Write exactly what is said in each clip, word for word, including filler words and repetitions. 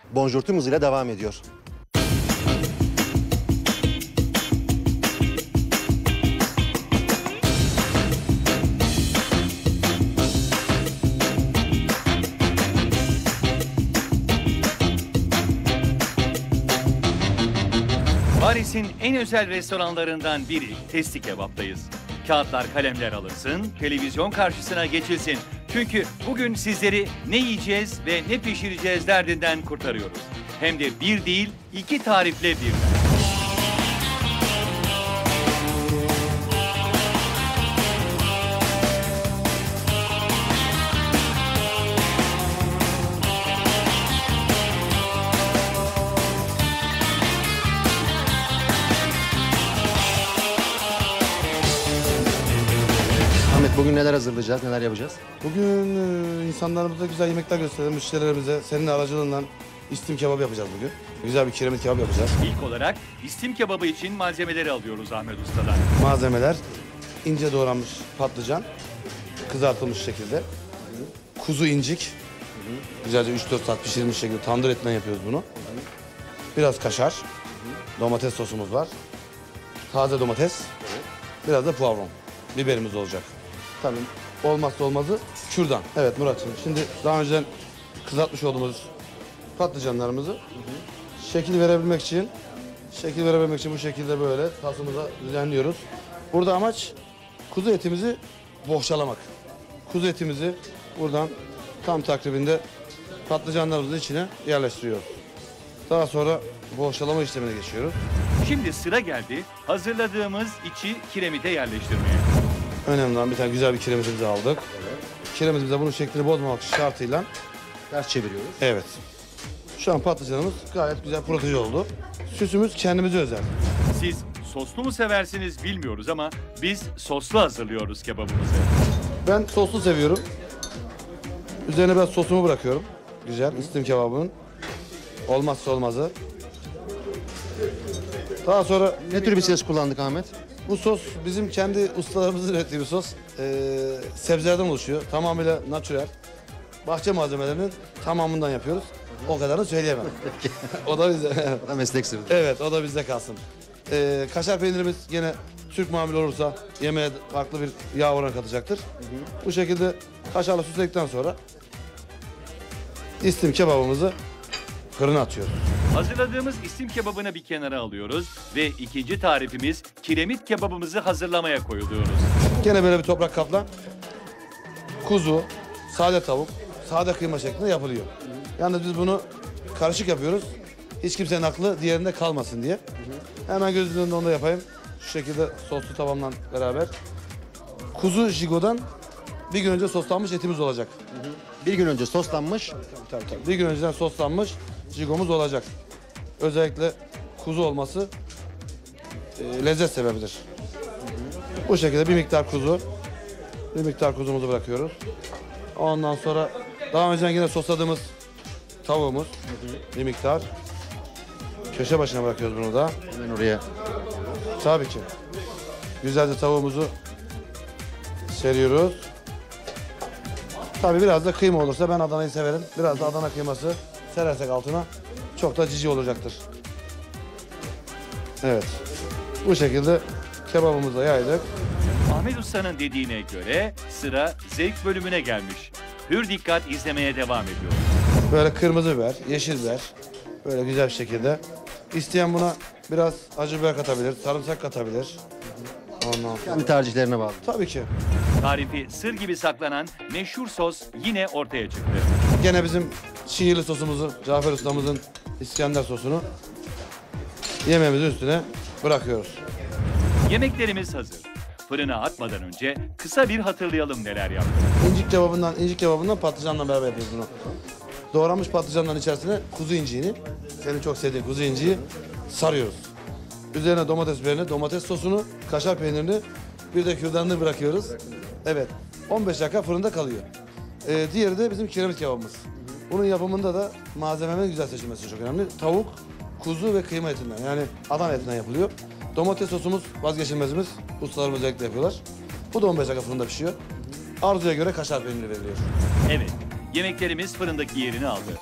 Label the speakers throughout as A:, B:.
A: Bonjour tüm hızıyla devam ediyor.
B: Paris'in en özel restoranlarından biri Testi Kebap'tayız. Kağıtlar, kalemler alınsın, televizyon karşısına geçilsin. Çünkü bugün sizleri ne yiyeceğiz ve ne pişireceğiz derdinden kurtarıyoruz. Hem de bir değil, iki tarifle birden.
A: Ahmet, bugün neler hazırlayacağız, neler yapacağız?
C: Bugün e, insanlarımıza güzel yemekler gösterelim, müşterilerimize senin aracılığından istim kebabı yapacağız bugün. Güzel bir kiremit kebap yapacağız.
B: İlk olarak istim kebabı için malzemeleri alıyoruz Ahmet Usta'dan.
C: Malzemeler ince doğranmış patlıcan, kızartılmış şekilde. Kuzu incik, güzelce üç dört saat pişirilmiş şekilde tandır etinden yapıyoruz bunu. Biraz kaşar, domates sosumuz var. Taze domates, biraz da poivron, biberimiz olacak. Tabii olmazsa olmazı kürdan. Evet Murat'cığım, şimdi daha önceden kızartmış olduğumuz patlıcanlarımızı şekil verebilmek için şekil verebilmek için bu şekilde böyle tasımıza düzenliyoruz. Burada amaç kuzu etimizi bohçalamak. Kuzu etimizi buradan tam takribinde patlıcanlarımızın içine yerleştiriyoruz. Daha sonra bohçalama işlemine geçiyoruz.
B: Şimdi sıra geldi hazırladığımız içi kiremite yerleştirmeye.
C: Önemli olan bir tane güzel bir kiremitimizi aldık. Kiremitimize bunun şeklini bozmamak şartıyla
A: Ters çeviriyoruz.
C: evet. Şu an patlıcanımız gayet güzel proteje oldu. Süsümüz kendimize özel.
B: Siz soslu mu seversiniz bilmiyoruz ama biz soslu hazırlıyoruz kebabımızı.
C: Ben soslu seviyorum. Üzerine biraz sosumu bırakıyorum. Güzel istim kebabının olmazsa olmazı. Daha sonra
A: Ne tür bir ses kullandık Ahmet?
C: bu sos bizim kendi ustalarımızın ürettiği bir sos. Ee, sebzelerden oluşuyor. Tamamıyla natürel. Bahçe malzemelerinin tamamından yapıyoruz. O kadarını söyleyemem. O da bize.
A: O da meslek sırrı.
C: Evet, o da bizde kalsın. Ee, kaşar peynirimiz gene Türk mamul olursa yemeğe farklı bir yağ oranı katacaktır. Hı hı. Bu şekilde kaşarla süsledikten sonra istim kebabımızı fırına atıyoruz.
B: Hazırladığımız istim kebabını bir kenara alıyoruz ve ikinci tarifimiz kiremit kebabımızı hazırlamaya koyuluyoruz.
C: Gene böyle bir toprak kapla kuzu, sade tavuk, sade kıyma şeklinde yapılıyor. Yalnız biz bunu karışık yapıyoruz. Hiç kimsenin aklı diğerinde kalmasın diye. Hemen gözünün önünde onu da yapayım. Şu şekilde soslu tavamla beraber. Kuzu jigodan bir gün önce soslanmış etimiz olacak.
A: Bir gün önce soslanmış.
C: Tabii, tabii. Bir gün önceden soslanmış jigomuz olacak. Özellikle kuzu olması e, lezzet sebebidir. Bu şekilde bir miktar kuzu, bir miktar kuzumuzu bırakıyoruz. Ondan sonra daha önceden yine sosladığımız tavuğumuz bir miktar. Köşe başına bırakıyoruz bunu da.
A: Hemen oraya.
C: Tabii ki. Güzelce tavuğumuzu seriyoruz. Tabii biraz da kıyma olursa ben Adana'yı severim. Biraz da Adana kıyması serersek altına çok da cici olacaktır. Evet. Bu şekilde kebabımızı da yaydık.
B: Ahmet Usta'nın dediğine göre sıra zevk bölümüne gelmiş. Hür dikkat izlemeye devam ediyor.
C: Böyle kırmızı biber, yeşil biber. Böyle güzel bir şekilde. İsteyen buna biraz acı biber katabilir, sarımsak katabilir. Ondan sonra.
A: Kendi tercihlerine bağlı.
C: Tabii ki.
B: Tarifi sır gibi saklanan meşhur sos yine ortaya çıktı.
C: Gene bizim şiirli sosumuzu, Cafer Ustamızın İskender sosunu yemeğimizin üstüne bırakıyoruz.
B: Yemeklerimiz hazır. Fırına atmadan önce kısa bir hatırlayalım neler yaptık.
C: İncik kebabından, incik kebabından patlıcanla beraber yapıyoruz bunu. Doğranmış patlıcanların içerisine kuzu inciğini, senin çok sevdiğin kuzu inciği sarıyoruz. Üzerine domates biberini, domates sosunu, kaşar peynirini, bir de kürdanını bırakıyoruz. Evet, on beş dakika fırında kalıyor. Ee, diğeri de bizim kiremit kebabımız. Bunun yapımında da malzemenin güzel seçilmesi çok önemli. Tavuk, kuzu ve kıyma etinden, yani Adana etinden yapılıyor. Domates sosumuz vazgeçilmezimiz. Ustalarımız özellikle yapıyorlar. Bu da on beş dakika fırında pişiyor. Arzuya göre kaşar peyniri veriliyor.
B: Evet, yemeklerimiz fırındaki yerini aldı.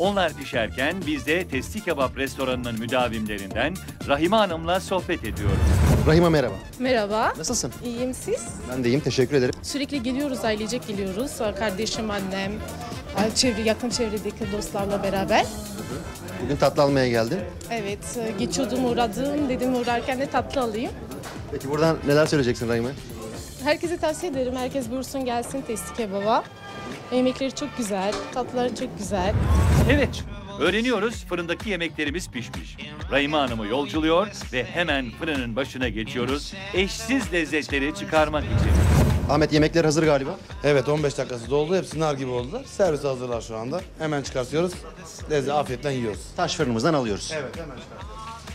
B: Onlar pişerken biz de Testi Kebap restoranının müdavimlerinden Rahime Hanım'la sohbet ediyoruz.
A: Rahime merhaba.
D: Merhaba.
A: Nasılsın?
D: İyiyim siz?
A: Ben de iyiyim. Teşekkür ederim.
D: Sürekli geliyoruz, ailecek geliyoruz. Kardeşim, annem, çevre, yakın çevredeki dostlarla beraber.
A: Bugün tatlı almaya geldin.
D: Evet, geçiyordum, uğradım. Dedim uğrarken de tatlı alayım.
A: Peki buradan neler söyleyeceksin Rahime?
D: Herkese tavsiye ederim. Herkes buyursun gelsin Testi Kebap'a. Yemekleri çok güzel, tatlıları çok güzel.
B: Evet, öğreniyoruz fırındaki yemeklerimiz pişmiş. Rahime Hanım'ı yolculuyor ve hemen fırının başına geçiyoruz eşsiz lezzetleri çıkarmak için.
A: Ahmet yemekler hazır galiba.
C: Evet on beş dakikası doldu. Hepsi nar gibi oldular. Servise hazırlar şu anda. Hemen çıkartıyoruz. Lezzet afiyetle yiyoruz.
A: Taş fırınımızdan alıyoruz.
C: Evet hemen çıkartıyoruz.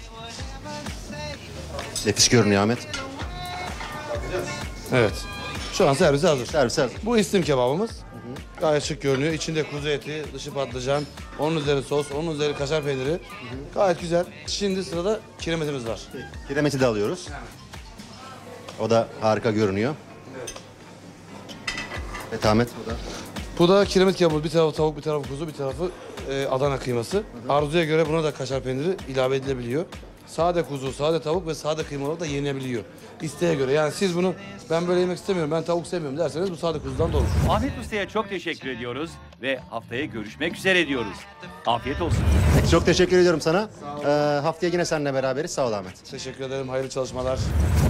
A: Nefis görünüyor Ahmet.
C: Evet. Şu an servise hazır.
A: Servis hazır.
C: Bu istim kebabımız. Gayet şık görünüyor. İçinde kuzu eti, dışı patlıcan, onun üzeri sos, onun üzeri kaşar peyniri. Gayet güzel. Şimdi sırada kiremitimiz var.
A: Kiremiti de alıyoruz. O da harika görünüyor. Evet Ahmet. O da.
C: Bu da kiremit kebabı. Bir tarafı tavuk, bir tarafı kuzu, bir tarafı e, Adana kıyması. Arzuya göre buna da kaşar peyniri ilave edilebiliyor. Sade kuzu, sade tavuk ve sade kıymalar da yenebiliyor. İsteğe göre. Yani siz bunu ben böyle yemek istemiyorum, ben tavuk sevmiyorum derseniz bu sade kuzudan da olur.
B: Ahmet Usta'ya çok teşekkür ediyoruz ve haftaya görüşmek üzere diyoruz. Afiyet olsun.
A: Peki, çok teşekkür ediyorum sana. Ee, haftaya yine seninle beraberiz. Sağ ol Ahmet.
C: Teşekkür ederim. Hayırlı çalışmalar.